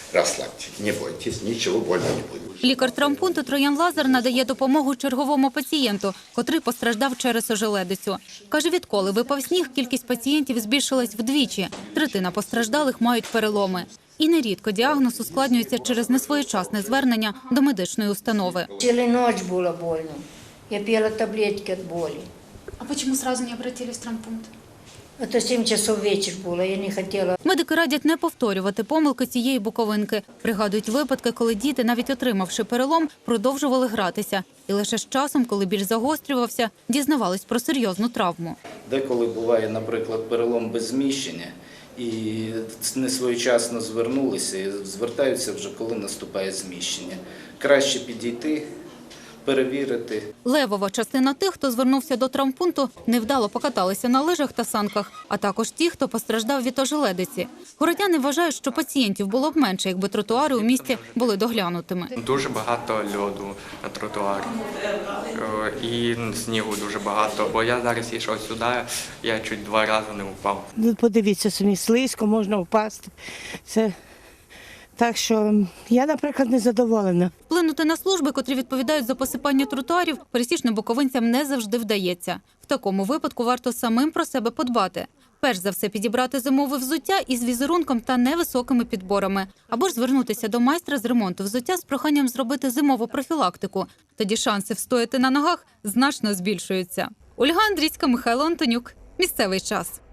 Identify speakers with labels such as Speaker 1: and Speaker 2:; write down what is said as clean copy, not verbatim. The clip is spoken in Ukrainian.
Speaker 1: Расслабьтесь, не бойтесь, ничего больно не будет.
Speaker 2: Лікар травмпункту Троян Лазар надає допомогу черговому пацієнту, котрий постраждав через ожеледицю. Каже, відколи випав сніг, кількість пацієнтів збільшилась вдвічі. Третина постраждалих мають переломи. І нерідко діагноз ускладнюється через несвоєчасне звернення до медичної установи.
Speaker 3: Цілу ніч було больно. Я пила таблетки від болі.
Speaker 4: А почему сразу не обратились в травмпункт?
Speaker 3: Це 7 часов вечір було, я не хотіла.
Speaker 2: Медики радять не повторювати помилки цієї буковинки. Пригадують випадки, коли діти, навіть отримавши перелом, продовжували гратися. І лише з часом, коли біль загострювався, дізнавались про серйозну травму.
Speaker 5: Деколи буває, наприклад, перелом без зміщення, і несвоєчасно звернулися, і звертаються вже, коли наступає зміщення. Краще підійти, перевірити.
Speaker 2: Левова частина тих, хто звернувся до травмпункту, невдало покаталися на лижах та санках, а також ті, хто постраждав від ожеледиці. Городяни вважають, що пацієнтів було б менше, якби тротуари у місті були доглянутими.
Speaker 6: Дуже багато льоду на тротуарі і снігу дуже багато, бо я зараз йшов сюди, я чуть 2 рази не впав.
Speaker 7: Подивіться самі, слизько, можна впасти. Так що я, наприклад, не задоволена.
Speaker 2: Вплинути на служби, котрі відповідають за посипання тротуарів, пересічним буковинцям не завжди вдається. В такому випадку варто самим про себе подбати. Перш за все підібрати зимове взуття із візерунком та невисокими підборами. Або ж звернутися до майстра з ремонту взуття з проханням зробити зимову профілактику. Тоді шанси встояти на ногах значно збільшуються. Ольга Андрійська, Михайло Антонюк. Місцевий час.